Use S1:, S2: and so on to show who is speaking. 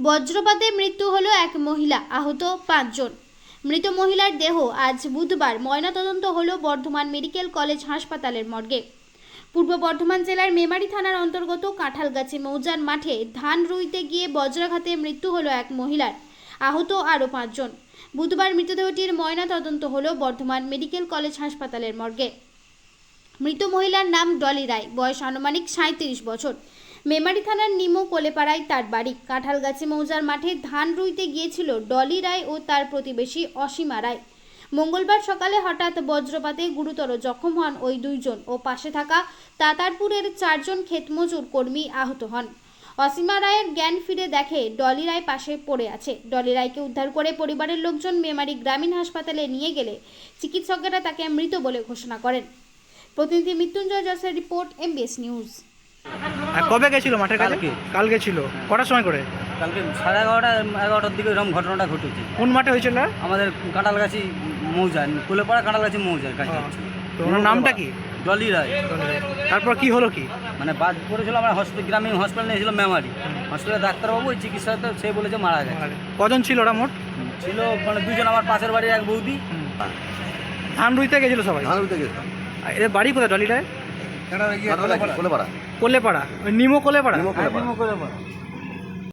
S1: বজ্রপাতে মৃত্যু হলো এক মহিলা, আহত 5 জন। মৃত মহিলার দেহ আজ বুধবার ময়নাতদন্ত হলো বর্ধমান মেডিকেল কলেজ হাসপাতালের মর্গে। পূর্ব বর্ধমান জেলার মেমারি থানার অন্তর্গত কাঁঠালগাছি মৌজার মাঠে ধান রুইতে গিয়ে বজ্রাঘাতে মৃত্যু হলো এক মহিলার, আহত আরও 5 জন। বুধবার মৃতদেহটির ময়নাতদন্ত হলো বর্ধমান মেডিকেল কলেজ হাসপাতালের মর্গে। মৃত মহিলার নাম ডলি রায়, বয়স আনুমানিক 37 বছর। মেমারি থানার নিমো কোলেপাড়ায় তার বাড়ি। কাঁঠালগাছি মৌজার মাঠে ধান রুইতে গিয়েছিল ডলি রায় ও তার প্রতিবেশী অসীমা রায়। মঙ্গলবার সকালে হঠাৎ বজ্রপাতে গুরুতর জখম হন ওই দুইজন ও পাশে থাকা তাতারপুরের 4 জন ক্ষেতমজুর কর্মী আহত হন। অসীমা রায়ের জ্ঞান ফিরে দেখে ডলি রায় পাশে পড়ে আছে। ডলি রায়কে উদ্ধার করে পরিবারের লোকজন মেমারি গ্রামীণ হাসপাতালে নিয়ে গেলে চিকিৎসকেরা তাকে মৃত বলে ঘোষণা করেন। প্রতিনিধি মৃত্যুঞ্জয় জসের রিপোর্ট, MBS নিউজ।
S2: আর কবে গেছিল মাঠের কাছে? কালকে ছিল। কটার সময় করে?
S3: কালকে 11:30-11টার দিকে এরকম ঘটনাটা ঘটেছে।
S2: কোন মাঠে হয়েছিল?
S3: আমাদের কাঁঠালগাছি মৌজা, কোলেপাড়া কাঁঠালগাছি মৌজার কাছে।
S2: তো ওনার নামটা কি?
S3: ডলি রায়।
S2: তারপর কি হলো কি?
S3: মানে বাদ পড়েছিল, আমরা হসপিটাল গ্রামীণ হসপিটাল নিয়েছিল মেমারি। হসপিটালে ডাক্তারবাবু ওই চিকিৎসাতে সে বলেছে মারা গেছে।
S2: কজন ছিল ওরা মোট?
S3: ছিল মানে 2 জন, আমার পাশের বাড়ির এক বৌদি।
S2: ধান রুইতে গেছিল সবাই?
S4: ধান রুইতে গেছিলাম।
S2: এদের বাড়ি কোথায় ডলিটায়?
S4: কোলেপাড়া।
S2: কোলেপাড়া, ওই নিমো কোলেপাড়া।
S4: নিমো কোলেপাড়া।
S3: কোলেপাড়া।